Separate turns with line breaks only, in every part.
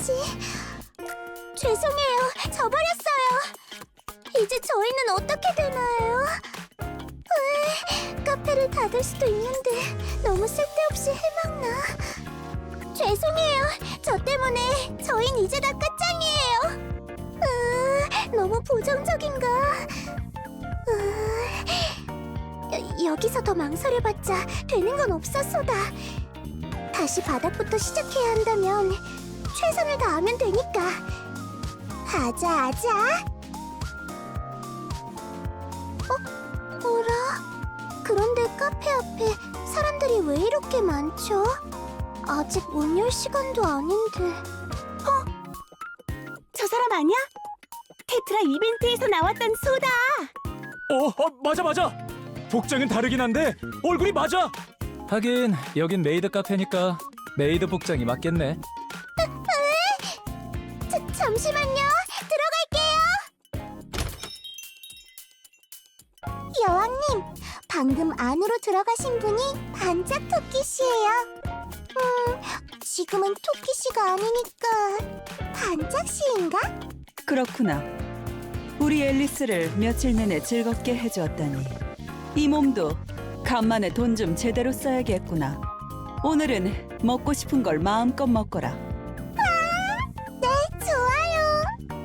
하지? 죄송해요. 져버렸어요. 이제 저희는 어떻게 되나요? 카페를 닫을 수도 있는데 너무 쓸데없이 해먹나? 죄송해요. 저 때문에 저흰 이제 다 끝장이에요. 너무 부정적인가? 여기서 더 망설여봤자 되는 건 없었소다. 다시 바닥부터 시작해야 한다면 최선을 다하면 되니까. 아자. 어라? 그런데 카페 앞에 사람들이 왜 이렇게 많죠? 아직 문 열 시간도 아닌데.
저 사람 아니야? 테트라 이벤트에서 나왔던 소다!
맞아. 복장은 다르긴 한데 얼굴이 맞아. 하긴 여긴 메이드 카페니까 메이드 복장이 맞겠네.
잠시만요. 들어갈게요. 여왕님, 방금 안으로 들어가신 분이 반짝 토끼씨예요. 지금은 토끼씨가 아니니까 반짝씨인가?
그렇구나. 우리 앨리스를 며칠 내내 즐겁게 해주었다니. 이 몸도 간만에 돈 좀 제대로 써야겠구나. 오늘은 먹고 싶은 걸 마음껏 먹거라.
네, 좋아요.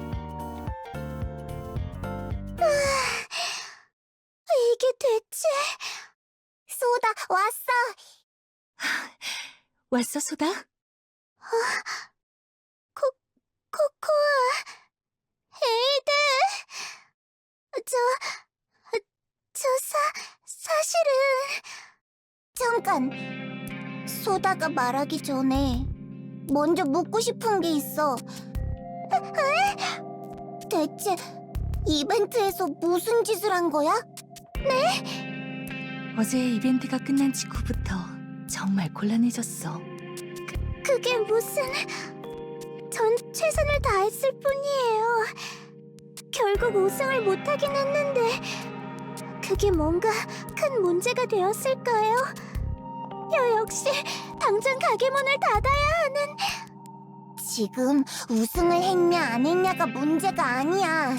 이게 대체... 소다, 왔어.
왔어, 소다?
코코아, 에이드. 사실은... 잠깐. 소다가 말하기 전에 먼저 묻고 싶은 게 있어. 대체 이벤트에서 무슨 짓을 한 거야?
어제 이벤트가 끝난 직후부터 정말 곤란해졌어.
그게 무슨... 전 최선을 다했을 뿐이에요. 결국 우승을 못하긴 했는데 그게 뭔가 큰 문제가 되었을까요? 역시 당장 가게 문을 닫아야 하는... 지금 우승을 했냐 안 했냐가 문제가 아니야.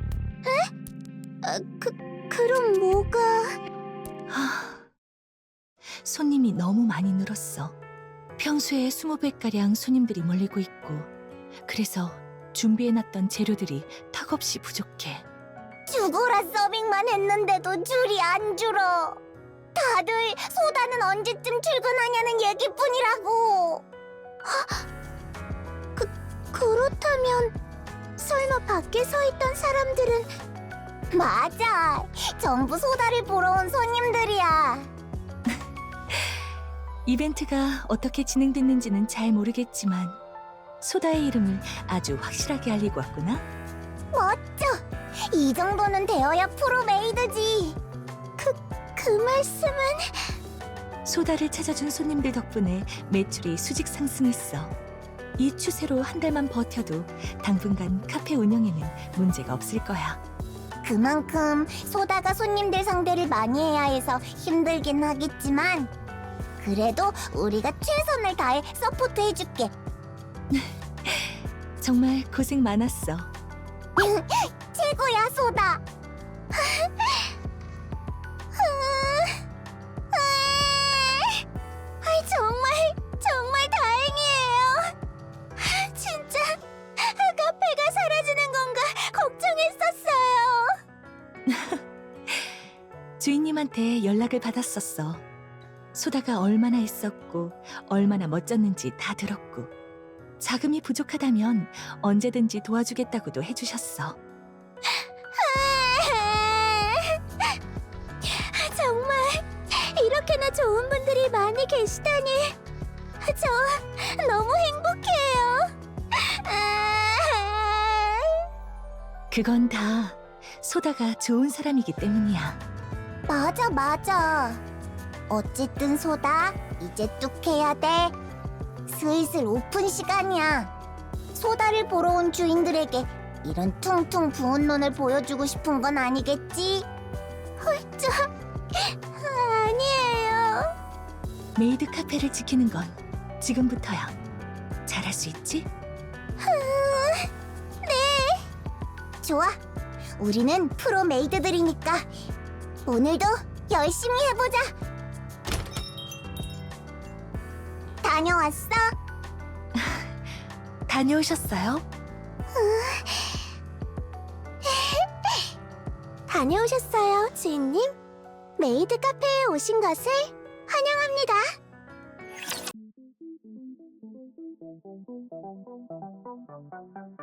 그럼 뭐가...
손님이 너무 많이 늘었어. 평소에 20배가량 손님들이 몰리고 있고, 그래서 준비해놨던 재료들이 턱없이 부족해.
죽어라 서빙만 했는데도 줄이 안 줄어. 다들 소다는 언제쯤 출근하냐는 얘기뿐이라고. 그렇다면 설마 밖에 서 있던 사람들은... 맞아, 전부 소다를 보러 온 손님들이야.
이벤트가 어떻게 진행됐는지는 잘 모르겠지만 소다의 이름을 아주 확실하게 알리고 왔구나.
멋져. 이 정도는 되어야 프로 메이드지. 그 말씀은...
소다를 찾아준 손님들 덕분에 매출이 수직 상승했어. 이 추세로 한 달만 버텨도 당분간 카페 운영에는 문제가 없을 거야.
그만큼 소다가 손님들 상대를 많이 해야 해서 힘들긴 하겠지만 그래도 우리가 최선을 다해 서포트해줄게.
정말 고생 많았어.
최고야, 소다. 정말 다행이에요. 진짜 카페가 사라지는 건가 걱정했었어요.
주인님한테 연락을 받았었어. 소다가 얼마나 애썼고 얼마나 멋졌는지 다 들었고, 자금이 부족하다면 언제든지 도와주겠다고도 해주셨어.
정말 이렇게나 좋은 분들이 많이 계시다니 저 너무 행복해요.
그건 다 소다가 좋은 사람이기 때문이야.
맞아. 어쨌든 소다, 이제 뚝 해야 돼. 슬슬 오픈 시간이야. 소다를 보러 온 주인들에게 이런 퉁퉁 부은 눈을 보여주고 싶은 건 아니겠지? 홀짝, 아니에요.
메이드 카페를 지키는 건 지금부터야. 잘할 수 있지?
네. 좋아. 우리는 프로 메이드들이니까 오늘도 열심히 해보자. 다녀왔어?
다녀오셨어요?
다녀오셨어요, 주인님? 메이드 카페에 오신 것을 환영합니다.